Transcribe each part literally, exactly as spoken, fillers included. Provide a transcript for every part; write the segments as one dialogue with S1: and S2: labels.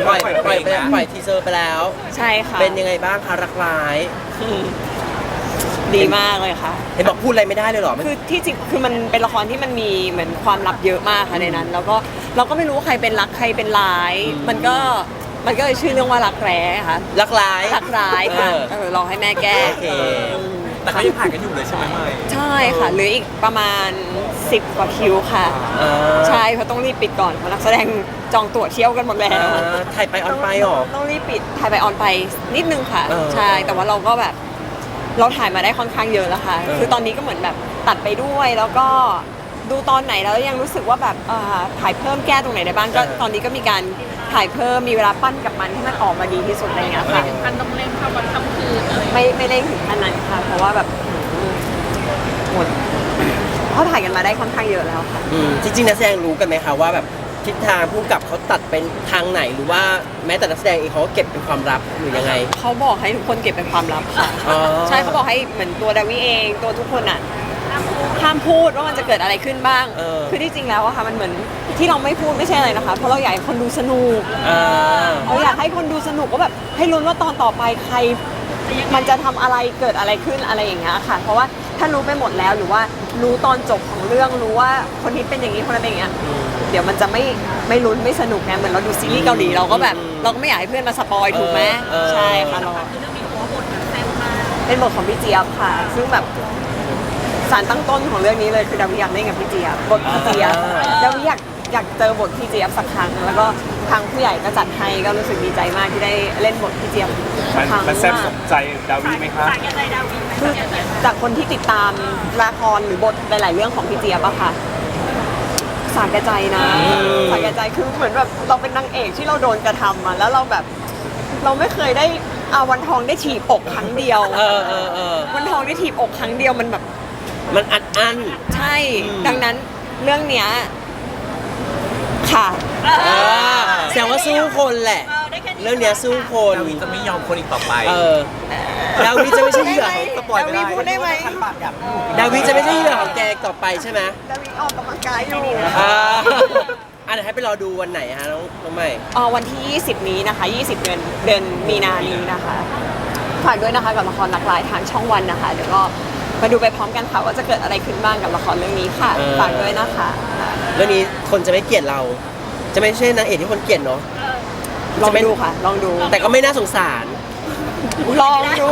S1: ปล่อยปล่อยไปแล้วปล่อยทีเซอร์ไปแล้ว
S2: ใช่ค่ะ
S1: เป็นยังไงบ้างคะรักร้าย
S2: ดีมากเลยค่ะ
S1: เห็นบอกพูดอะไรไม่ได้เลยเหรอ
S2: คือที่จริงคือมันเป็นละครที่มันมีเหมือนความลับเยอะมากค่ะในนั้น แล้วก็เราก็ไม่รู้ว่าใครเป็นรักใครเป็นร้าย มันก็มันก็เลยชื่อเรื่องว่ารักแร้ค่ะ
S1: รักร้าย
S2: รักร้ายค่ะเออรอให้แม่แก้
S3: แต่เขายังผ่านกันอยู่เลยใช่ไหมไม่
S2: ใช่ค่ะเหลืออีกประมาณสิบกว่าคิวค่ะใช่เพราะต้องรีบปิดก่อนเพราะนักแสดงจองตั๋วเที่ยวกันหมดแล้ว
S1: ถ่ายไปออนไปหรอ
S2: ต้องรีบปิดถ่ายไปออนไปนิดนึงค่ะใช่แต่ว่าเราก็แบบเราถ่ายมาได้ค่อนข้างเยอะแล้วค่ะคือตอนนี้ก็เหมือนแบบตัดไปด้วยแล้วก็ดูตอนไหนแล้วยังรู้สึกว่าแบบถ่ายเพิ่มแก้ตรงไหนได้บ้างก็ตอนนี้ก็มีการถ่ายเพิ่มมีเวลาปั้นกับมันให้มันออกมาดีที่สุดอะไรเงี้ยค่ะ
S4: ไม่ถึงขั้นต้องเร่งเข้าวันค่ำคืนอะไร
S2: ไม่ไม่เร่งถึงขนาดนั้นค่ะเพราะว่าแบบหมดเขาถ่ายกันมาได้ค่อนข้างเยอะแล้วค่ะ
S1: จริงๆนักแสดงรู้กันไหมคะว่าแบบทิศทางผู้กำกับเขาตัดเป็นทางไหนหรือว่าแม้แต่นักแสดงเองเขาก็เก็บเป็นความลับหรือยังไง
S2: เขาบอกให้ทุกคนเก็บเป็นความลับค่ะใช่เขาบอกให้เหมือนตัวดาวิเองตัวทุกคนอ่ะห้ามพูดว่ามันจะเกิดอะไรขึ้นบ้างคือที่จริงแล้วอะค่ะมันเหมือนที่เราไม่พูดไม่ใช่อะไรนะคะเพราะเราอยากให้คนดูสนุกเราอยากให้คนดูสนุกก็แบบให้ลุ้นว่าตอนต่อไปใครมันจะทำอะไรเกิดอะไรขึ้นอะไรอย่างเงี้ยค่ะเพราะว่าถ้ารู้ไปหมดแล้วหรือว่ารู้ตอนจบของเรื่องรู้ว่าคนนี้เป็นอย่างนี้คนนั้นเป็นอย่างเงี้ยเดี๋ยวมันจะไม่ไม่ลุ้นไม่สนุกไงเหมือนเราดูซีรีส์เกาหลีเราก็แบบเราก็ไม่อยากให้เพื่อนมาสปอยถูกไหมใช่ค่ะเราเป็นบทของพี่เจี๊ยบค่ะซึ่งแบบสารตั้งต้นของเรื่องนี้เลยคือดาวิอยากเล่นกับพี่เจี๊ยบบทพี่เจี๊ยบดาวิอยากอยากเจอบทพี่เจี๊ยบสักครั้งแล้วก็ทางผู้ใหญ่ก็จัดให้ก็รู้สึกดีใจมากที่ได้เล่นบทพี่เจี๊ยบสักครั้ง
S3: มันแซ่บสมใจดาวิไหมครับ
S2: คือจากคนที่ติดตามละครหรือบทหลายๆเรื่องของพี่เจี๊ยบอะค่ะสาแก่ใจนะสาแก่ใจคือเหมือนแบบเราเป็นนางเอกที่เราโดนกระทำมาแล้วเราแบบเราไม่เคยได้อาวันทองได้ถีบอกครั้งเดียววันทองได้ถีบอกครั้งเดียวมันแบบ
S1: มันอัดอั้น
S2: ใช่ดังนั้นเรื่องเนี้ยค่ะ
S1: แสดงว่าสู้คนแหละเรื่องเนี้ยสู้คน
S3: ดาวิจะไม่ยอมคนอีกต่อไป
S1: ดาวิจะไม่ใช่เหยื่อ
S2: สปอยไม่ได้พูดได้ไหม
S1: ดาวิจะไม่ใช่เหยื่อของแกต่อไปใช่ไหม
S2: ดาวิออกกำลังกายอยู่
S1: อ่ะเดี๋ยวให้ไปรอดูวันไหนฮะน้องน้องใหม่
S2: อ๋อวันที่ยี่สิบนี้นะคะยี่สิบเดือนเดือนมีนานี้นะคะฝากด้วยนะคะกับละครรักร้ายทางช่องวันนะคะเดี๋ยวก็มาดูไปพร้อมกันค่ะว่าจะเกิดอะไรขึ้นบ้างกับละครเรื่องนี้ค่ะฝากด้วยนะคะ
S1: เรื่องนี้คนจะไม่เกลียดเราจะไม่ใช่นางเอกที่คนเกลียดเนาะ
S2: ลองดูค่ะลองดู
S1: แต่ก็ไม่น่าสงสาร
S2: ลองดู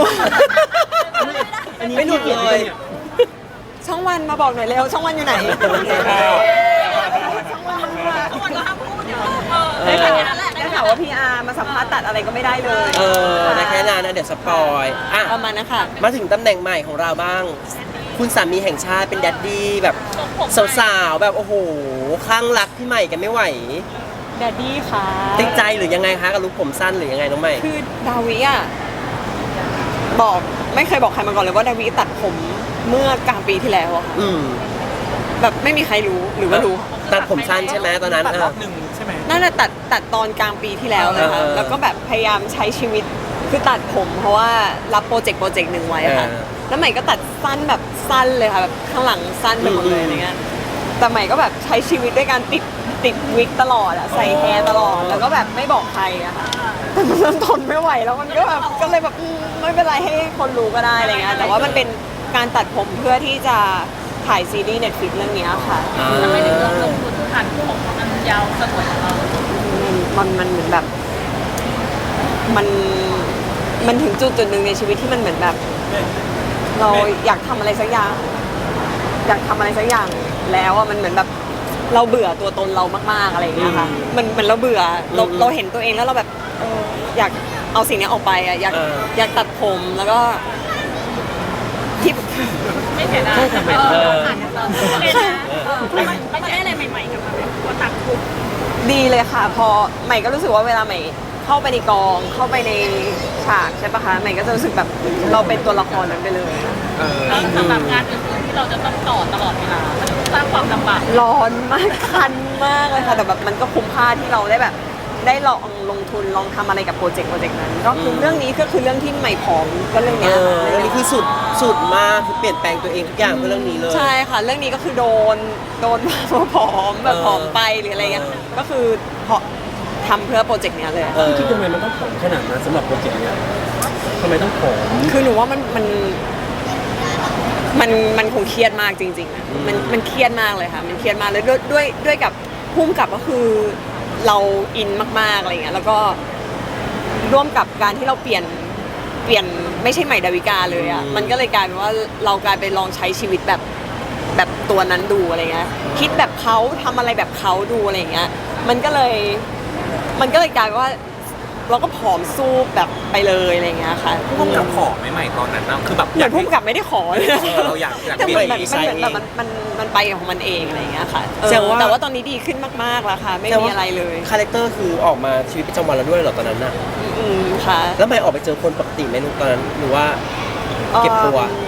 S1: ไม่หนุดเลย
S2: ช่องวันมาบอกหน่อยเร็วช่องวันอยู่ไหนช่องวัน
S4: ช่องวันก็ห้ามพูดเดี๋ยว
S2: ได้แค่นั้นแหละได้ข่าวว่าพี่อาร์มาสัมภาษณ์ตัดอะไรก็ไม่ได้เลย
S1: เออได้แค่นั้นนะเดี๋ยวสปอยอ่ะ
S2: ประมาณนั้นค่ะ
S1: มาถึงตำแหน่งใหม่ของเราบ้างคุณสามีแห่งชาติเป็นแดดดี้แบบสาวๆแบบโอ้โหคลั่งรักพี่ใหม่กันไม่ไหว
S2: แดดดี้ค่ะ
S1: ติดใจหรือยังไงคะกับลุคผมสั้นหรือยังไงน้องใหม่
S2: คือดาวิอ่ะบอกไม่เคยบอกใครมาก่อนเลยว่าดาวิตัดผมเมื่อกลางปีที่แล้วอะค่ะแบบไม่มีใครรู้หรือว่ารู้
S1: ตัดผมสั้นใช่ไหมตอนนั้น
S3: ตัดรอบหนึ่งใช่ไหม
S2: นั่นแหละตัดตัดตอนกลางปีที่แล้วเลยค่ะแล้วก็แบบพยายามใช้ชีวิตคือตัดผมเพราะว่ารับโปรเจกต์โปรเจกต์หนึ่งไว้ค่ะแล้วใหม่ก็ตัดสั้นแบบสั้นเลยค่ะแบบข้างหลังสั้นไปหมดเลยอะไรเงี้ยแต่ใหม่ก็แบบใช้ชีวิตด้วยการติดติดวิกตลอดอะใส่แฮร์ตลอดแล้วก็แบบไม่บอกใครอะค่ะแต่มันเริ่มทนไม่ไหวแล้วมันก็แบบก็เลยแบบไม่เป็นไรให้คนรู้ก็ได้อะไรเงี้ยแต่ว่ามันเป็นการตัดผมเพื่อที่จะถ่ายซีรีส์ Netflix เรื่องนี้ค่ะ
S4: ทำไมถึงเลือกลงทุนผ่านผมมันยาวสวยของเรา
S2: มันมันเหมือนแบบมันมันถึงจุดจุดหนึ่งในชีวิตที่มันเหมือนแบบเราอยากทำอะไรสักอย่างอยากทำอะไรสักอย่างแล้วอ่ะมันเหมือนแบบเราเบื่อตัวตนเรามากๆอะไรอย่างเงี้ยค่ะมันเหมือนเราเบื่อเราเราเห็นตัวเองแล้วเราแบบเอออยากเอาสิ่งนี้ออกไปอ่ะอยากอยากตัดผมแล้วก็ที่
S4: ไม่เสียดายไม่ได้อะไรใหม่ๆกับมันพอตัดผม
S2: ดีเลยค่ะพอใหม่ก็รู้สึกว่าเวลาใหม่เข้าไปในกองเข้าไปในฉากใช่ปะคะใหม่ก็จะรู้สึกแบบเราเป็นตัวละครนั้นไปเลย
S4: แล้วสำหรับงานอื่นๆที่เราจะต้องต่อตลอดเวลามันสร้างความลำบาก
S2: ร้อนมากคันมากเลยค่ะแต่แบบมันก็คุ้มค่าที่เราได้แบบได้ลองลงทุนลองทำอะไรกับโปรเจกต์โปรเจกต์นั้นก็คือเรื่องนี้ก็คือเรื่องที่ใหม่พร้อมก็เรื่องนี้
S1: เรื่องนี้คือสุดสุดมากคือเปลี่ยนแปลงตัวเองทุกอย่างเพื่อเรื่องนี้เลย
S2: ใช่ค่ะเรื่องนี้ก็คือโดนโดนมาผอมแบบผอมไปหรืออะไรเงี้ยก็คือพอทำเพื่อโปรเจกต์เนี้ยเลย
S1: เออ
S5: คิดทำไมมันต้องผอมขนาดนั้นสำหรับโปรเจกต์เนี้ยทำไมต้องผอม
S2: คือหนูว่ามันมันมันมันคงเครียดมากจริงๆอะมันมันเครียดมากเลยค่ะมันเครียดมากเลยด้วยด้วยด้วยกับพุ่มกับก็คือเราอินมากๆอะไรเงี้ยแล้วก็ร่วมกับการที่เราเปลี่ยนเปลี่ยนไม่ใช่ใหม่ดาวิกาเลยอ่ะมันก็เลยกลายเป็นว่าเรากลายไปลองใช้ชีวิตแบบแบบตัวนั้นดูอะไรเงี้ยคิดแบบเขาทำอะไรแบบเขาดูอะไรเงี้ยมันก็เลยมันก็เลยกลายเป็นว่าเราก็ผอมสู้แบบไปเลยอะไรเงี้ยค่ะ
S3: พุ่มกับขอไม่ใหม่ตอนนั้นนะคือแบบ
S2: เหมือนพุ่มกับไม่ได้ขอเลยนะ
S3: เออเราอยากอยาก
S2: แต่
S3: มี
S2: มันแบบ
S1: ดี
S2: มัน
S1: ไซน์
S2: เหมือนแบบ
S1: เอง
S2: มันมันมันไปของมันเองอะไรเงี้ยค่ะเออ
S1: แสดงว่า
S2: แต่ว่าตอนนี้ดีขึ้นมากๆแล้วค่ะ ไม่มีอะไรเลย
S1: คาแรคเตอร์คือออกมาชีวิตประจำวันแล้วด้วยเหรอตอนนั้นน่ะ
S2: อืมค่ะ
S1: แล้วไม่ออกไปเจอคนปกติไหมลูกตอนนั้นหรือว่าเก็บตัว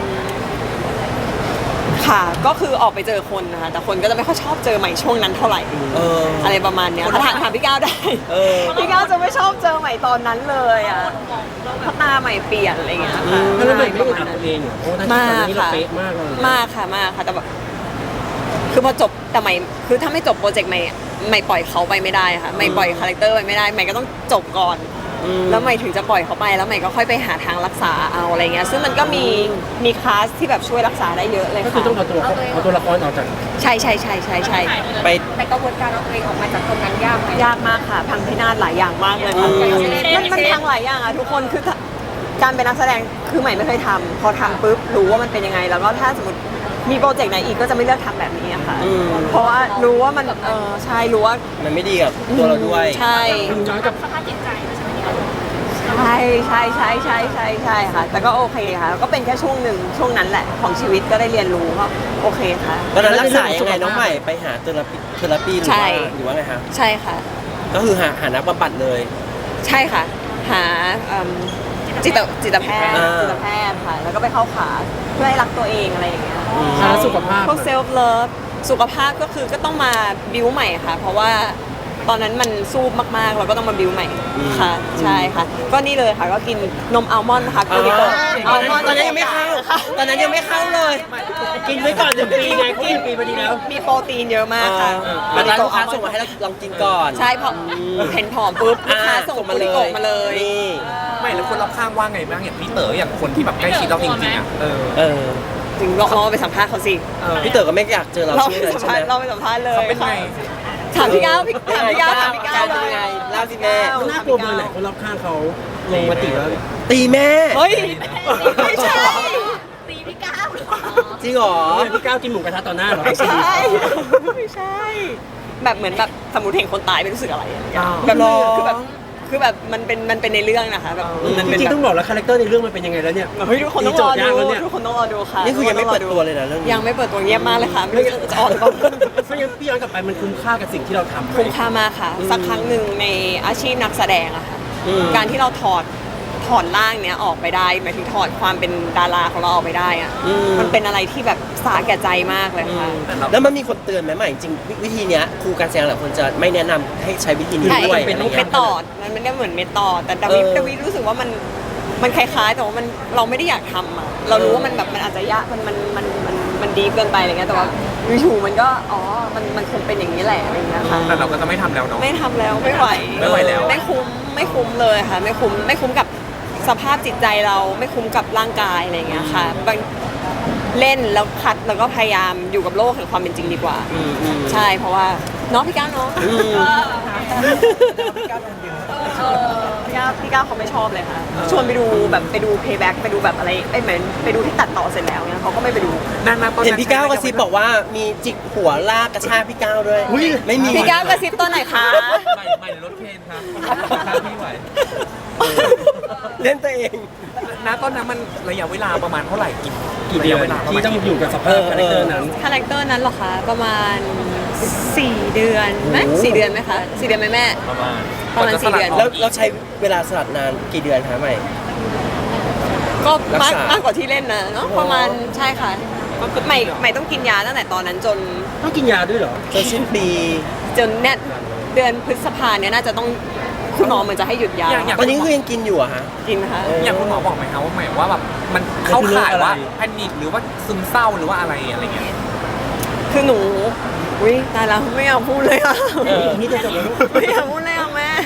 S2: ค่ะ ก็คือออกไปเจอคนนะคะ แต่คนก็จะไม่ค่อยชอบเจอใหม่ช่วงนั้นเท่าไหร่
S1: เอออ
S2: อะไรประมาณเนี้ยถามถามพี่ก้าวได้
S1: เออ
S2: พี่ก้าวจะไม่ชอบเจอใหม่ตอนนั้นเลยอ่ะเพราะตาใหม่เปลี่ยนอะไรเงี้ยค่ะ
S5: แล้วทำไมไม่
S2: ประ
S5: อึด
S2: มา
S5: อั
S2: ณ
S5: ด
S2: นั้น
S5: ตัวเองเหรอเพราะว่าถ้าตอนนี้เราเป๊ะมากเลย
S2: มากค่ะมากค่ะแต่แบบคือพอจบแต่ใหม่คือถ้าไม่จบโปรเจกต์ใหม่ใหม่ปล่อยเขาไปไม่ได้ค่ะใหม่ปล่อยคาแรคเตอร์ไปไม่ได้ใหม่ก็ต้องจบก่อน
S1: อืม
S2: แล้วใหม่ถึงจะปล่อยเขาไปแล้วใหม่ก็ค่อยไปหาทางรักษาเอาอะไรเงี้ยซึ่งมันก็มีมีคลาสที่แบบช่วยรักษาได้เยอะเลย
S5: ก็คือ
S2: ค่ะ
S5: ต้องเอาตัวเอาตัวละครออกจาก
S2: ใช่ใช่ใช่ใช่ใช่
S1: ไป
S4: แต่กระบวนการเอาตัวเองออกมาจากตรงนั้นยากไหม
S2: ยากมากค่ะ พังพินาศหลายอย่างมากเลยค่ะ
S1: อืม
S2: มันมันพังหลายอย่างอ่ะทุกคนคือถ้าการเป็นนักแสดงคือใหม่ไม่เคยทำพอทำปุ๊บรู้ว่ามันเป็นยังไง แล้วก็ถ้าสมมติมีโปรเจกต์ไหนอีกก็จะไม่เลือกทำแบบนี้อะค่ะ
S1: อืม
S2: เพราะว่ารู้ว่ามันเออใช่รู้ว่า
S1: มันไม่ดีกับตัวเราด้วย
S2: ใช่
S5: คุณย้อนกับ
S4: สภาพจิตใจไม่ใช่ไหมคะ
S2: ใช่ใช่ใช่ใช่ใช่ใช่ค่ะ แต่ก็โอเคค่ะ ก็เป็นแค่ช่วงหนึ่งช่วงนั้นแหละของชีวิตก็ได้เรียนรู้ก็โอเคค่ะ
S1: ตอนนั้นรักษายังไงน้องใหม่ไปหาเทอราปีเทอราปีหรือ
S2: ใช่
S1: ว่าหรือว่าไงคะ
S2: ใช่ค่ะ
S1: ก็คือหาหานักบำบัดเลย
S2: ใช่ค่ะ หาเอิ่มจิตจิตแพทย์
S1: อ่า
S2: จิตแพทย์ค่ะ แล้วก็ไปเข้าขาเพื่อให้รักตัวเองอะไรอย่างเงี้ย
S1: อืม
S5: หาสุขภาพ
S2: พวกเซลฟ์เลิฟสุขภาพก็คือก็ต้องมาบิวใหม่ค่ะ เพราะว่าตอนนั้นมันสู้มากๆ เราก็ต้องมาบิวใหม่ค่ะ ใช่ค่ะ ก็นี่เลยค่ะ ก็กินนมอัลมอนด์ค่ะ
S1: อ๋
S2: กู
S1: อ
S2: ริโกอัลมอนด์
S1: ตอนนั้นยังไม่เข้า ตอนนั้นยังไม่เข้าเลย
S5: กินไว้ก่อนหนึ่งปีไงเขาหนึ่งปีพอดีแล้ว
S2: มีโปรตีนเยอะมากค่ะ
S1: ตอนนั้นลูกค้าส่งมาให้เราลองกินก่อน
S2: ใช่พอเห็นผอมปุ๊บลูกค้าส่งกูริโกมาเลย
S1: นี่
S3: ไม่แล้วคนรอบข้างว่าไงบ้างอย่างพี่เต๋ออย่างคนที่แบบใกล้ชิดเราจริงๆอ่ะเออ
S1: เออ
S2: ถึงลองลองไปสัมภาษณ์เขาสิ
S3: เออ
S1: พี่เต๋อก็ไม่อยากเจอเรา
S2: เรา
S1: ใช่
S2: ไป
S1: ไหม
S2: สัม
S1: ใช่
S2: ภา
S1: ไห
S2: ษ
S1: ม
S2: ณ์เราไปสัมภาษณ์เลย
S3: เขาเป็นไง
S2: ถามพี่ก้าวพี่ถามพี่ก้าวถามพี่ก้าวเล
S1: เป็น
S2: ย
S1: ไงเล่าสิแม่
S5: น่ากลัวเบอร์ไหนคนรอบข้างเขาลงมาติแล้ว
S1: ตีแม่
S2: เฮ้ยไม่ใช่
S4: ตีพี่ก้าว
S1: จริงเหรอ
S5: เนี่ยพี่ก้าวกินหมูกระทะต่อหน้าเหรอ
S2: ไม่ใช่ไม่ใช่ แบบเหมือนแบบสมมติเห็นคนตายไม่รู้สึกอะไรอะแบบ
S1: หรอ
S2: คือแบบคือแบบมันเป็นมันเป็นในเรื่องนะคะแบบมัน
S5: จ
S2: เป็น
S5: ริง
S2: แบบ
S5: ๆต้องบอกแล้วคาแรคเตอร์ในเรื่องมันเป็นยังไงแล้วเนี่ย
S2: เฮ้ยทุกคนต้องรอ
S5: มีโจทย์ยาก
S2: ดู
S5: แล้วเนี่ย
S2: ทุกคนต้องรอดูค่ะ
S1: นี่คือยังไม่เปิดตัวเลยนะเรื่องนี้
S2: ยังไม่เปิดตัวเงียบมากเลยค่ะไม่รู้จะออกหรือเปล่า
S5: เพราะงั้นพี่ย้อนกลับไปมันคุ้มค่ากับสิ่งที่เราทำไหม
S2: คุ้มค่ามากค่ะ สักครั้งหนึ่งในอาชีพนักแสดงอะค่ะ
S1: อืม
S2: การที่เราถอดถอดร่างเนี้ยออกไปได้หมายถึงถอดความเป็นดาราของเราออกไปได้อะ
S1: อืม
S2: มันเป็นอะไรที่แบบสาแก่ใจมากเลยค่ะ
S1: แล้วมันมีคนเตือนไหมใหม่จริงๆวิธีเนี้ยครูการแสดงหลายคนจะไม่แนะนำให้ใช้วิธีนี้
S2: ใช่
S1: ด้วย
S2: เป็น
S1: อะไร
S2: เม
S1: เงี้ย
S2: ตอดมันไม่ได้เหมือนเมตอดแต่ดาวิ
S1: เออ
S2: ดาวิรู้สึกว่ามันมันคล้ายๆ แต่ว่ามันเราไม่ได้อยากทำอ่ะเรารู้ว่ามันแบบมันอาจจะยากมันมันมันมันมันดีเกินไปอะไรเงี้ยแต่ว่าวิชูมันก็อ๋อมันมันคงเป็นอย่างนี้แหละอะไรเงี้ยค่ะ
S3: แต่เราก็จะไม่ทำแล้วเนาะ
S2: ไม่ทำแล้วไม่ไหว
S3: ไม่ไหวแล้ว
S2: ไม่คุ้มไม่คุ้มเลยค่ะ ไม่คุ้มไม่คุ้มกับสภาพจิตใจเราไม่คุ้มกับร่างกายอะไรเงี้ยค่ะบางเล่นแล้วคัดแล้วก็พยายามอยู่กับโลกแห่งความเป็นจริงดีกว่า
S1: อืมอืม
S2: ใช่เพราะว่าเน้องพี่ก้าวเนาะ
S1: อืม
S2: พี่ก้าวพี่ก้าวเขาไม่ชอบเลยค่ะ ชวนไปดูแบบไปดู payback ไปดูแบบอะไรไอ้เหมือนไปดูที่ตัดต่อเสร็จแล้วเนี่ยเขาก็ไม่ไปดู
S3: นั่นนะตอน
S1: เห็น
S3: นั้น
S1: พี่ก้าวกระซิบบอกว่ามีจิกหัวลากกระชากพี่ก้าวด้วย
S5: อุ๊ย
S1: ไม่มี
S2: พี่ก้าวกระซิบตอนไหนคะ
S3: ไม่ไม่รถเคนครับพี่ไหว
S1: เล่นตัวเอง
S3: ณตอนนั้นมันระยะเวลาประมาณเท่าไหร่กี่
S5: กี่เดือน
S3: ระยะเวลาประ
S5: ที่
S3: มาณ
S5: ต้องอยู่กับสภาพคาแรคเตอร์นั้น
S2: คาแรคเตอร์นั้นเหรอคะประมาณสี่เดือนไหม
S1: โอ้
S2: สี่เดือนไหมคะสี่เดือนไหมแม่
S3: ประมาณ
S2: ประมาณสี่เดือน
S1: แล้วเราใช้เวลาสลัดนานกี่เดือนคะใหม่
S2: ก็มาก
S1: รักษาม
S2: มากกว่าที่เล่นนะเนาะ
S1: โอ้
S2: ประมาณใช่ค่ะใหม่ใหม่ต้องกินยาตั้งแต่ตอนนั้นจน
S5: ต้องกินยาด้วยเหรอ
S1: จนสิ้นปี
S2: จนเนี่ยเดือนพฤษภาเนี่ยน่าจะต้องคุณหมอเหมือนจะให้หยุดยา
S3: อย่างอย่าง
S1: ตอนนี้ก็คือยังกินอยู่อะฮะ
S2: กินนะคะ
S1: เออ
S3: อย่างคุณหมอบอกไหมคะว่าหมายว่าแบบมันเข้าข่ายว่าแพนิคหรือว่าซึมเศร้าหรือว่าอะไรอะไรเงี้ย
S2: คือหนูอุ้ยตายแล้วไม่อยากพูดเลยอะ
S1: เออ
S5: นี่จะจบแล้วลูก
S2: ไม่อยากพูดเลยอะแม่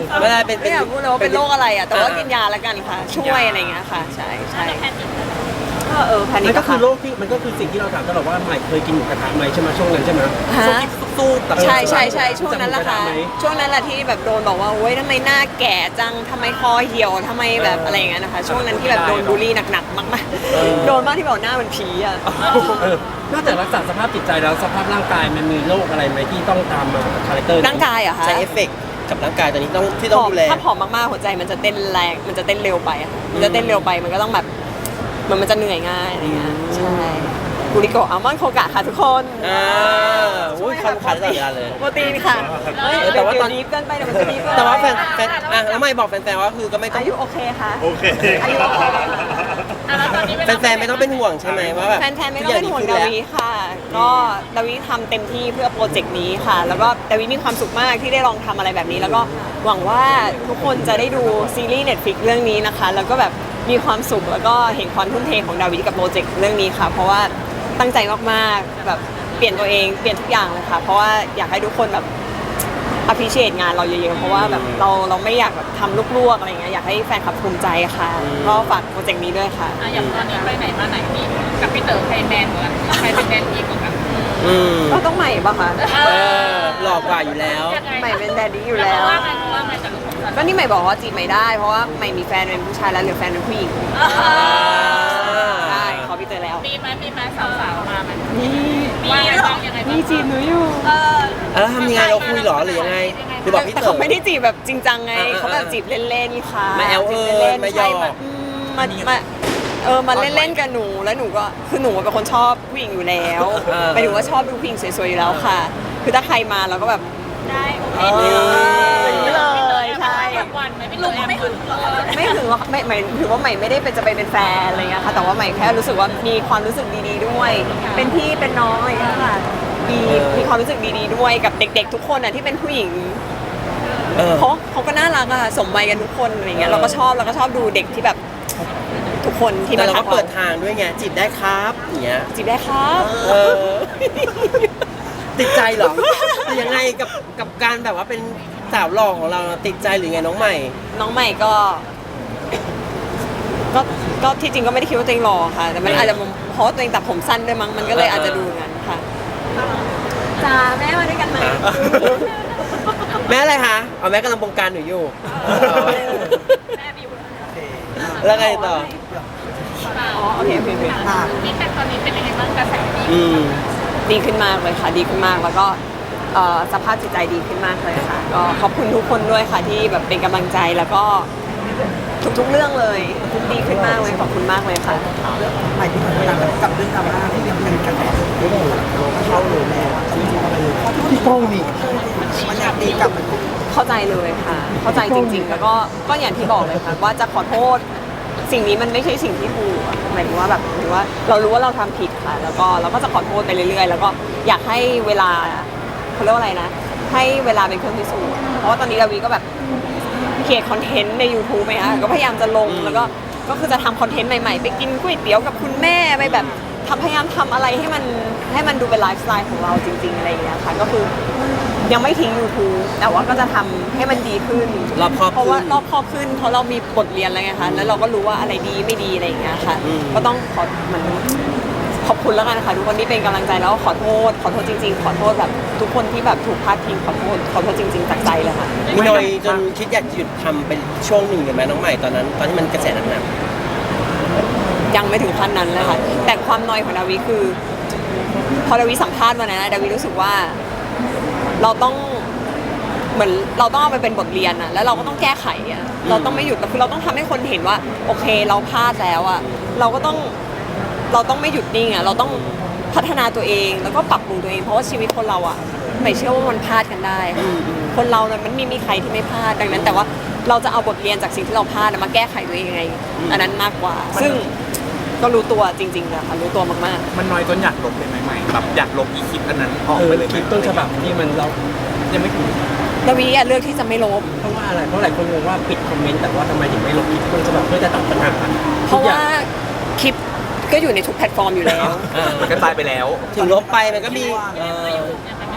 S1: ไม่ได้เป็น
S2: ไม่อยากพูดเลยว่าเป็นโรคอะไรอ่ะแต่ว่า
S1: อ่ากิ
S2: กินยาแล้วกันค่ะ ช่วยอะไรอย่างเงี้ยค่ะ ใช่ใช่
S4: จะแพนิค
S2: ก็เออแพนิ
S5: มัน
S2: ค
S5: ก็คือ
S2: ค่ะ
S5: โรคที่มันก็คือสิ่งที่เราถามตลอดว่าใหม่เคยกินหมูกระทะไหมใช่ไหมช่วงนั้นใช่ไหม
S2: ฮะ
S3: สู้ๆแต่
S2: ใช่ใช่ใช่ช่วงนั้นแหละค่ะ
S5: จำได้ไหม
S2: ช่วงนั้นแหละที่แบบโดนบอกว่าโอ๊ยทำไมหน้าแก่จังทำไมคอเหี่ยวทำไมแบบอะไรอย่างเงี้ยนะคะ ช่วงนั้นที่แบบโดนบูลลี่หนักๆมากๆโดนมากที่บอกหน้าเหมันผีอ่ะ
S5: เออนอกจากรักษาสภาพจิตใจแล้วสภาพร่างกายมันมีโรคอะไรไหมที่ต้องตามมาคาแรคเตอร์
S2: ร่างกายเหรอะคะ
S1: ใช้เอฟเฟกต์กับร่างกายตอนนี้ต้องที่
S2: ผ
S1: ต้อง
S2: อม
S1: ดูแล
S2: ถ้าผอมมากๆหัวใจมันจะเต้นแรงมันจะเต้นเร็วไปอะมันจะเต้นเร็วไปมันก็ต้องแบบเหมือนมันจะเหนื่อยง่ายอะไรเงี้ยใช่กูริโกะอัลมอนด์โคกะค่ะทุกคน
S1: อ่าอุ้ยคำขายตลอดเวลาเลย
S2: โปรตีนค่ะเฮ้ย
S1: เออแต่
S2: แต่
S1: ว่า
S2: ว่า
S1: ต
S2: ต
S1: อ
S2: อน นนี้เกินไปเดี๋ยวมันจะดีเกิน
S1: แต่ว่าแฟนแฟนอ่ะแล้วไม่บอกแฟนๆว่าคือก็ไม่ต้อง
S2: อายุโอเคค่ะ
S6: โอเค
S2: อายุโอเค
S4: อ่ะแล้วตอนนี้เวลา
S1: แฟนๆไม่ต้องเป็นห่วงใช่ไหมว่าแบบ
S2: แฟนๆไม่ต้องเป็นห่วงดาวิค่ะ ก็ดาวิทำเต็มที่เพื่อโปรเจกต์นี้ค่ะ แล้วก็ดาวิมีความสุขมากที่ได้ลองทำอะไรแบบนี้ แล้วก็หวังว่าทุกคนจะได้ดูซีรีส์ Netflix เรื่องนี้นะคะ แล้วก็แบบมีความสุขแล้วก็เห็นความทุ่มเทของดาวิกับโปรเจกต์เรื่องนี้ค่ะ เพราะว่าตั้งใจมากๆแบบเปลี่ยนตัวเองเปลี่ยนทุกอย่างเลยค่ะ เพราะว่าอยากให้ทุกคนแบบ appreciate งานเราเยอะๆ เพราะว่าแบบเราเราไม่อยากแบบทำลวกๆอะไรเงี้ยอยากให้แฟนคลับภูมิใจค่ะ ก็ฝากโปรเจกต์นี้ด้วยค่ะ
S4: อ่ะอย่างตอนนี้ไปไหนมาไหนนี่กับพี่เต๋อใครแมนกว่ากันใครเป็นแดนอีกกว่ากัน
S1: อืม
S2: ก็ต้องใหม่ปะคะ
S4: เอ
S1: เอ
S4: อ
S1: อหลอกกว่าอยู่แล้ว
S4: ยังไง
S2: ใหม่เป็นแดดดี้อยู่แล้ว
S4: ว่าไงว่าไงจากลูกของฉัน
S2: ก็นี่ใหม่บอกว่าจีบใหม่ได้ เพราะว่าใหม่มีแฟนเป็นผู้ชายแล้วเหลือแฟนเป็นผู้หญิงใช่ขอพี่เตยแล้ว
S4: มีไหมมีไหมสาวๆมาไหม
S2: นี่
S4: ว่าไงบ้างยังไงบ้าง
S2: นี่จีบหนูอยู่
S4: เออ
S1: แล้วทำยังไงเราคุยเหรอหรือยังไงหรือบอกพี่
S2: แต่
S1: เต๋อ
S2: เขาไม่ได้จีบแบบจริงจังไง
S1: อ่าๆ
S2: เขาแบบจีบเล่นๆค่ะ
S1: มาแอลเอิญ
S2: จีบล่นๆ
S1: มาหยอก
S2: ใช่มาอืมมามาเออมาเล่นๆกับหนูแล้วหนูก็คือหนูเป็นคนชอบผู้หญิงอยู่แล้ว
S1: เออ
S2: หมายถึงว่าชอบดูผู้หญิงสวยๆอยู่แล้วค่ะ คือถ้าใครมาเราก็แบบ
S4: ได้โอเค
S1: เออ
S2: อย่างนี้เลยใช่
S4: วันไหมไม่ลุงไม่ถึงเลย
S2: ไม่ถึงว่าไม่หมายถือว่าใหม่ไม่ได้เป็นจะไปเป็นแฟนอะไรเงี้ยค่ะแต่ว่าใหม่แค่รู้สึกว่ามีความรู้สึกดีๆด้วย เป็นพี่เป็นน้องอะไรเงี้ยค่ะมี
S1: เออ
S2: มีความรู้สึกดีๆด้วยกับเด็ก ๆ ทุกคนอ่ะที่เป็นผู้หญิง
S1: เออ
S2: เขาเขาก็น่ารักอ่ะสมวัยกันทุกคนอะไรเงี้ยเราก็ชอบเราก็ชอบดูเด็กที่แบบทุกคนที่
S1: แต่
S2: มา
S1: เรา
S2: ทั
S1: ก็
S2: ก
S1: เปิ
S2: เรา
S1: ดทางด้วยไงจีบได้ครับอย่างเงี้ย
S2: จีบได้ครับ
S1: เออ ติดใจเหรอหรือยังไงกับกับการแบบว่าเป็นสาวหล่อของเราติดใจหรือไงน้องใหม่
S2: น้องใหม่ก็ก็ก็ที่จริงก็ไม่ได้คิดว่าตัวเองหล่อค่ะ แต่มันอาจจะเพราะว่าตัวเองตัดผมสั้นด้วยมั้งมันก็เลยอาจจะดูงั้นค่ะจ้าแม่มาด้วยกันไหม
S1: แม่อะไรคะเอาแม่กำลังบงการหนูอยู่
S4: แม่บิว
S1: แล้วไงต่อ
S2: อ๋อโอเคโอเคโอเค
S4: นี่แต่ตอนนี้เป็นยังไงบ้างกระแสดี
S1: อืม
S2: ดีขึ้นมากเลยค่ะ ดีขึ้นมากแล้วก็เอ่อสภาพจิตใจดีขึ้นมากเลยค่ะ ก็ขอบคุณทุกคนด้วยค่ะที่แบบเป็นกำลังใจแล้วก็ทุกๆเรื่องเลยดีขึ้นมากเลยขอบคุณมากเลยค่ะ
S7: หมายถึงเวลากับเรื่องดราม่าที่ยังเป็นกระแสอยู่เข้าเลยแล้วที่มองไปเลยพี่ป้องนี่มันอยากตีกลับมัน
S2: เข้าใจเลยค่ะ เข้าใจจริง ๆ แล้วก็ก็อย่างที่บอกเลยค่ะว่าจะขอโทษสิ่งนี้มันไม่ใช่สิ่งที่ถูกอะหมายถึงว่าแบบหมายถึงว่าเรารู้ว่าเราทำผิดค่ะ แล้วก็เราก็จะขอโทษไปเรื่อยๆ แล้วก็อยากให้เวลาเขาเรียกว่าอะไรนะ ให้เวลาเป็นเครื่องพิสูจน์เพราะว่าตอนนี้ดาวีก็แบบเขียนคอนเทนต์ใน YouTube ไหมคะก็พยายามจะลงแล้วก็ก็คือจะทำคอนเทนต์ใหม่ๆ ไปกินก๋วยเตี๋ยวกับคุณแม่ไปแบบทำพยายามทำอะไรให้มันให้มันดูเป็นไลฟ์สไตล์ของเราจริงๆอะไรอย่างเงี้ยค่ะก็คือยังไม่ทิ้ง YouTube แต่ว่าก็จะทำให้มันดีขึ้น
S1: รอบคอบขึ้น
S2: เพราะว่ารอบครอบขึ้นเพราะเรามีบทเรียนแล้วไงคะแล้วเราก็รู้ว่าอะไรดีไม่ดีอะไรอย่างเงี้ยค่ะ
S1: อืม
S2: ก็ต้องขอเหมือนขอบคุณแล้วกันนะคะทุกคนที่เป็นกำลังใจแล้วก็ขอโทษขอโทษจริง ๆ ขอโทษแบบทุกคนที่แบบถูกพาดพิงขอโทษขอโทษจริง ๆจากใจเลยค่ะ
S1: มีหน่อยจนคิดอยากหยุดทำเป็นช่วงหนึ่งเลยไหมน้องใหม่ตอนนั้น ตอนที่มันกระแสหนัก
S2: ยังไม่ถึงขั้นนั้นเลยค่ะ แต่ความนอยของดาวิคือ พอดาวิสัมภาษณ์วันนั้นนะดาวิรู้สึกว่าเราต้องเหมือนเราต้องเอาไปเป็นบทเรียนอะแล้วเราก็ต้องแก้ไขอะเราต้องไม่หยุดคือเราต้องทำให้คนเห็นว่า โอเคเราพลาดแล้วอะเราก็ต้องเราต้องไม่หยุดนิ่งอะเราต้องพัฒนาตัวเองแล้วก็ปรับปรุงตัวเองเพราะว่าชีวิตคนเราอะไม่เชื่อว่ามันพลาดกันได้ค่ะคนเราเนี่ยมันไม่มีใครที่ไม่พลาดดังนั้น แต่ว่าเราจะเอาบทเรียนจากสิ่งที่เราพลาดอะมาแก้ไขตัวเองยังไง อันนั้นมากกว่า ซึ่งก็รู้ตัวจริงๆอะค่ะรู้ตัวมากๆ
S3: มันน้อยจนอยากลบเลยไหมใหม่แบบอยากลบอีคลิปอันนั้นออก
S5: เออ
S3: ไปเลยไห
S5: ค
S3: ม
S5: ลิปต้นฉบับที่มันเรายังไม่ถูก
S2: ดาวิอะเลือกที่จะไม่ลบ
S5: เพราะว่าอะไรเพราะหลายคนงงว่าปิดคอมเมนต์แต่ว่าทำไมถึงไม่ลบคลิปต้นฉบับเพื่อจะตัดปัญหา
S2: เพราะว่าคลิปก็อยู่ในทุกแพลตฟอร์มอยู่แล้ว
S1: ๆเออ
S3: มันกระจายไปแล้ว
S1: ถึงลบไปมันก็มีเออ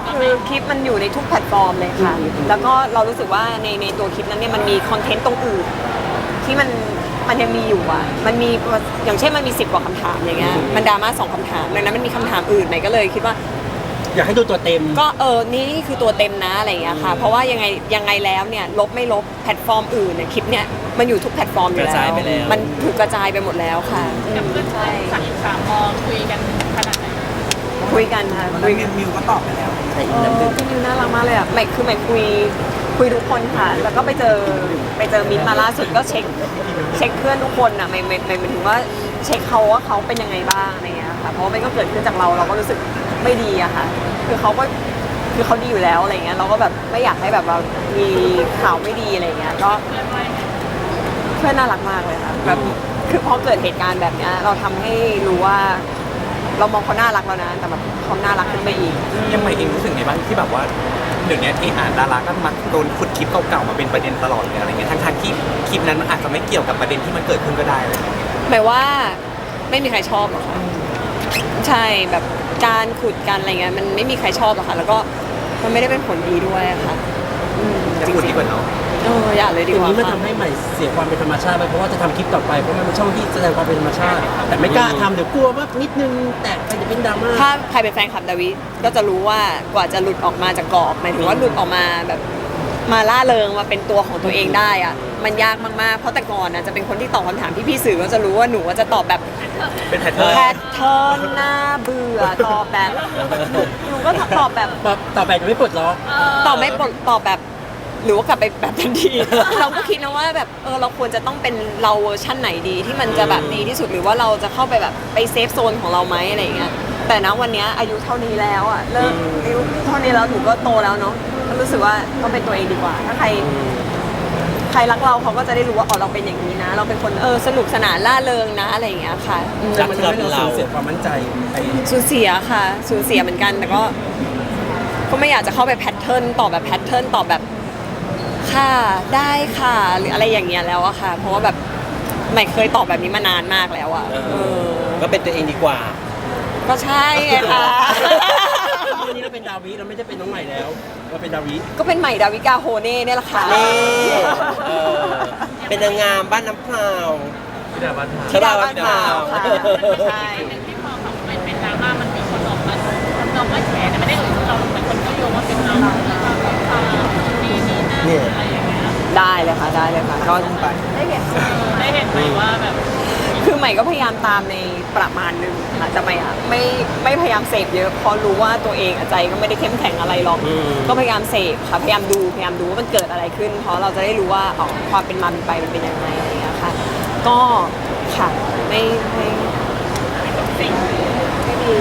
S2: คือคลิปมันอยู่ในทุกแพลตฟอร์มเลยค่ะ แล้วก็เรารู้สึกว่าในในตัวคลิปนั้นเนี่ยมันมีคอนเทนต์ตรงอื่นที่มันมันยังมีอยู่อ่ะมันมีอย่างเช่นมันมีสิบกว่าคำถามอย่างเงี้ยมันดราม่าสองคำถามดังนั้นมันมีคำถามอื่นไหมก็เลยคิดว่า
S5: อยากให้ดูตัวเต็ม
S2: ก็เออนี่คือตัวเต็มนะอะไรอย่างเงี้ยค่ะ เพราะว่ายังไงยังไงแล้วเนี่ยลบไม่ลบแพลตฟอร์มอื่นเนี่ยคลิปเนี่ยมันอยู่ทุกแพลตฟอร์มอยู่
S1: กระจายไปแล้ว
S2: มันถูกกระจายไปหมดแล้วค่ะ
S4: กับเพื่อน
S2: ใช่
S4: สามสามมอคุยกันขนาดไหน
S2: คุยกันค่ะ
S7: วัน
S2: คุ
S7: นั้
S2: ย
S7: น
S2: กัน
S7: มิวก็ตอบไปแล้ว
S1: ในอี
S2: เอก
S1: น้ำหนึ่ง
S2: อพี่นิวน่ารักมากเลยอ่ะใหม่คือใหม่คุยคุยทุกคนค่ะ แล้วก็ไปเจอไปเจอมิ้นท์มาล่าสุดก็เช็คเช็คเพื่อนทุกคนอ่ะใหม่ใหม่ใหม่หมายถึงว่าเช็คเขาว่าเขาเป็นยังไงบ้างอะไรเงี้ยค่ะเพราะว่ามันก็เกิดขึ้นจากเราเราก็รู้สึกไม่ดีอะค่ะคือเขาก็คือเขาดีอยู่แล้วอะไรเงี้ยเราก็แบบไม่อยากให้แบบเรามีข่าวไม่ดีอะไรเงี้ยก็เพื่อนน่ารักมากเลยค่ะแบบคือพอเกิดเหตุการณ์แบบเนี้ยเราทำให้รู้ว่า เรามองเขาน่ารักแล้วนะแต่แบบเขาน่ารักขึ้นไปอีก
S3: ยังไงเองรู้สึกไงบ้างที่แบบว่าเดี๋ยวนี้ที่อ่านดาราก็มักโดนขุดคลิปเก่าๆมาเป็นประเด็นตลอดเลยอะไรเงี้ยทั้งๆที่คลิปนั้นมันอาจจะไม่เกี่ยวกับประเด็นที่มันเกิดขึ้นก็ได้อะไรเงี้ย
S2: หมายว่าไม่มีใครชอบหรอกค่ะใช่แบบการขุดกันอะไรเงี้ยมันไม่มีใครชอบหรอกค่ะแล้วก็มันไม่ได้เป็นผลดีด้วยอะค่ะอืม
S3: จะพูดดีกว่าเนาะ
S2: เอออย่าเลยดี
S5: ที
S2: กว่า
S5: นี้มัน
S2: ค่ะ
S5: ทำให้ใหม่เสียความเป็นธรรมชาติไปเพราะว่าจะทำคลิปต่อไปเพราะมันเป็นช่องที่แสดงความเป็นธรรมชาติ แต่ไม่กล้าทำเดี๋ยวกลัวว่านิดนึงแตกไปจะเป็นดราม่า
S2: ถ้าใครเป็นแฟนคลับดาวิก็จะรู้ว่ากว่าจะหลุดออกมาจากกรอบหมายถึงว่าหลุดออกมาแบบมาล่าเริงมาเป็นตัวของตัวเองได้อะมันยากมากๆเพราะแต่ก่อนนะจะเป็นคนที่ตอบคำถามที่พี่สื่อก็จะรู้ว่าหนูว่าจะตอบแบบ
S3: เป็นแพทเทิร์น
S2: แพทเทิร์นหน้าเบื่อตอบแบบหนูก็ตอบแบบ
S5: ตอบต่อไปจะไม่ปลดล็อก
S2: ตอบไม่ปลดตอบแบบหรือว่ากลับไปแบบทันที เราก็คิดนะว่าแบบเออเราควรจะต้องเป็นเราเวอร์ชั่นไหนดีที่มันจะแบบดีที่สุดหรือว่าเราจะเข้าไปแบบไปเซฟโซนของเราไหมอะไรอย่างเงี้ยแต่นะวันเนี้ยอายุเท่านี้แล้วอ่ะเลิกอายุเท่านี้แล้วหนูก็โตแล้วเนาะก็รู้สึกว่าต้องเป็นตัวเองดีกว่า ถ้าใครใครรักเราเขาก็จะได้รู้ว่าอ๋อเราเป็นอย่างนี้นะ เราเป็นคนเออสนุกสนานล่าเริงนะอะไรอย่างเงี้ยค่ะอืม
S5: แต่มันทำให้เราสูญเสียความมั่นใจไป
S2: สูญเสียค่ะสูญเสียเหมือนกันแต่ก็ก็ไม่อยากจะเข้าไปแพทเทิร์นตอบแบบแพทเทิร์นตอบแบบค่ะได้ค่ะหรืออะไรอย่างเงี้ยแล้วอะค่ะ เพราะว่าแบบไม่เคยตอบแบบนี้มานานมากแล้วอะ
S1: เอ
S2: เอ
S1: อ
S2: อ
S1: ก็เป็นตัวเองดีกว่า
S2: ก็ใช่ไงค่ะ
S5: วันนี้เราเป็นดาวิเราไม่ได้เป็นน้องใหม่แล้วเราเป็นดาวิ
S2: ก็เป็นใหม่ดาวิกาโฮเน่เนี่ยแหละค่ะ
S1: นี่เออเป็นนางงามบ้านน้ำพราว
S3: ที่ดาวัน
S2: ที่ดาบ้านพราวค่ะใช่
S4: ที่พอเขาเป็นเป็นดราม่ามันมีคนออกมาทำนองว่าแฉแต่ไม่ได้เอ่ยชื่อเราเป็นคนก็โยงว่าเป็นเราแล้วก็ข่าวนี่นี่นั่นอะไรอย่างเงี้ย
S2: ได้เลยค่ะได้เลยค่ะก็
S4: ได้เห็นได้เห็นไหมว่าแบบ
S2: คือใหม่ก็พยายามตามในประมาณหนึงค่ะแต่ใหม่อะไม่ไม่พยายามเสพเยอะเพราะรู้ว่าตัวเองอะใจก็ไม่ได้เข้มแข็งอะไรหรอก
S1: อืม
S2: ก็พยายามเสพค่ะพยายามดูพยายามดูว่ามันเกิดอะไรขึ้น เพราะเราจะได้รู้ว่าอ๋อความเป็นมาเป็นไปมันเป็นยังไงอะไรอย่างเงี้ยค่ะ ก็ค่ะไม่ไม่ไม่ดีไม่ดี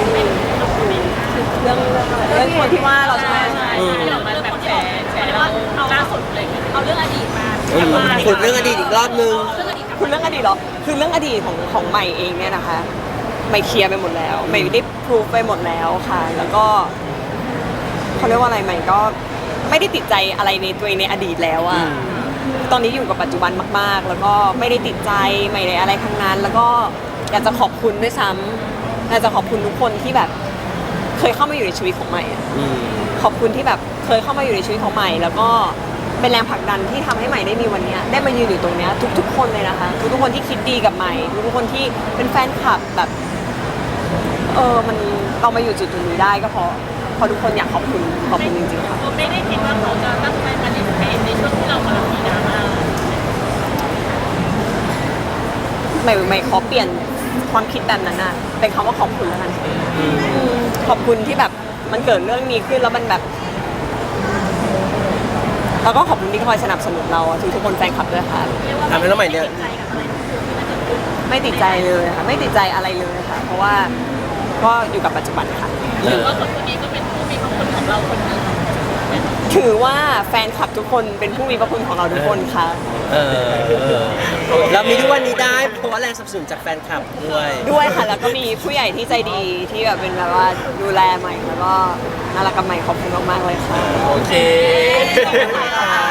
S2: เรื่องเรื่องเรื่องคนที่ว่าเราใช่ไหม
S4: ที่ออกมาแบบแฉแฉเราล่าสุดเลยเอาเรื่องอดีตมา
S1: เออขุดเรื่องอดีตอีกรอบนึง
S2: คุณเรื่องอดีตเหรอคือเรื่องอดีตของของใหม่เองเนี่ยนะคะใหม่เคลียร์ไปหมดแล้วใหม่ได้พรูฟไปหมดแล้วค่ะ แล้วก็เขาเรียกว่าอะไรใหม่ก็ไม่ได้ติดใจอะไรในตัวเองในอดีตแล้วอะตอนนี้อยู่กับปัจจุบันมากๆ แล้วก็ไม่ได้ติดใจไม่ได้อะไรทั้งนั้น แล้วก็อยากจะขอบคุณด้วยซ้ำอยากจะขอบคุณทุกคนที่แบบเคยเข้ามาอยู่ในชีวิตของใหม่อะ
S1: อืม
S2: ขอบคุณที่แบบเคยเข้ามาอยู่ในชีวิตของใหม่ แล้วก็เป็นแรงผลักดันที่ทำให้ใหม่ได้มีวันเนี้ยได้มายืนอยู่ตรงเนี้ยทุกๆคนเลยนะคะทุกๆคนที่คิดดีกับใหม่ทุกๆคนที่เป็นแฟนคลับแบบเออมันเรามาอยู่จุดๆนี้ได้ก็เพราะเพราะทุกคนอยากขอบคุณขอบคุณจริงๆค่ะ
S4: ผมไม่ได้คิดว่าเขาจะตั้งใจมาดิสเพย์ในช่วงที่เรากำลังมีดราม่า
S2: ใหม่ใหม่ขอเปลี่ยนความคิดแบบนั้นน่ะเป็นคำว่าขอบคุณแล้วกันอืมขอบคุณที่แบบมันเกิดเรื่องนี้ขึ้นแล้วมันแบบแล้วก็ขอบคุณที่คอยสนับสนุนเราอะทุกๆคนแฟนคลับด้วยค่ะ
S1: ทำให้น้องใหม่เนี่ย
S2: ไม่ติดใจเลยค่ะไม่ติดใจอะไรเลยค่ะ เพราะว่าก็อยู่กับปัจจุบันค่ะ
S1: เอ
S4: หรือ
S1: อ
S4: ว่าคนคนนี้ก็เป็นผู้มีพระคุณของเราคนหนึ่ง
S2: ถือว่าแฟนคลับทุกคนเป็นผู้มีพระคุณของเราทุกคนค่ะ
S1: เออเรามีทุกวันนี้ได้เพราะว่าแรงสนับสนุนจากแฟนคลับด้วย
S2: ด้วยค่ะแล้วก็มีผู้ใหญ่ที่ใจดีที่แบบเป็นแบบว่าดูแลใหม่แล้วก็น่ารักกับใหม่ขอบคุณมากๆเลยค่ะ
S3: โอเค